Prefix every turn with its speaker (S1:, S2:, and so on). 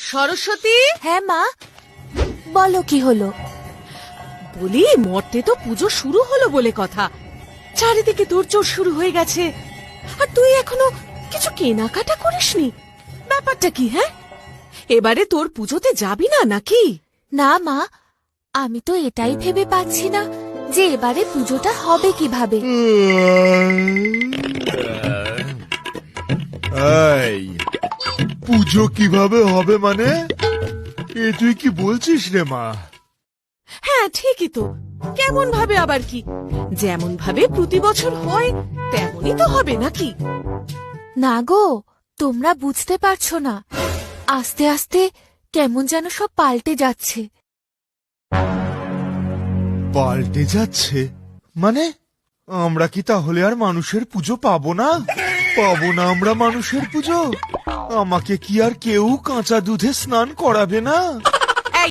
S1: সরস্বতী,
S2: হ্যাঁ মা, বলো কি হলো?
S1: বলি মর্তে তো পুজো শুরু হলো বলে কথা, চারিদিকে তোড়জোড় শুরু হয়ে গেছে, আর তুই এখনো কিছু কেনাকাটা করিসনি। ব্যাপারটা কি? হ্যাঁ, এবারে তোর পুজোতে যাবি না নাকি?
S2: না মা, আমি তো এটাই ভেবে পাচ্ছি না যে এবারে পুজোটা হবে কিভাবে।
S3: এই পুজো কিভাবে হবে মানে? এ তুই কি বলছিস রে মা?
S1: হ্যাঁ ঠিকই তো, কেমন ভাবে আবার কি? যেমন ভাবে প্রতি বছর হয় তেমনই তো হবে নাকি?
S2: না গো, তোমরা বুঝতে পারছো না, আস্তে আস্তে কেমন যেন সব পাল্টে যাচ্ছে।
S3: পাল্টে যাচ্ছে মানে? আমরা কি তাহলে আর মানুষের পুজো পাবো না? পাবো না আমরা মানুষের পুজো? আমাকে কি আর কেউ কাঁচা দুধে স্নান করাবে না?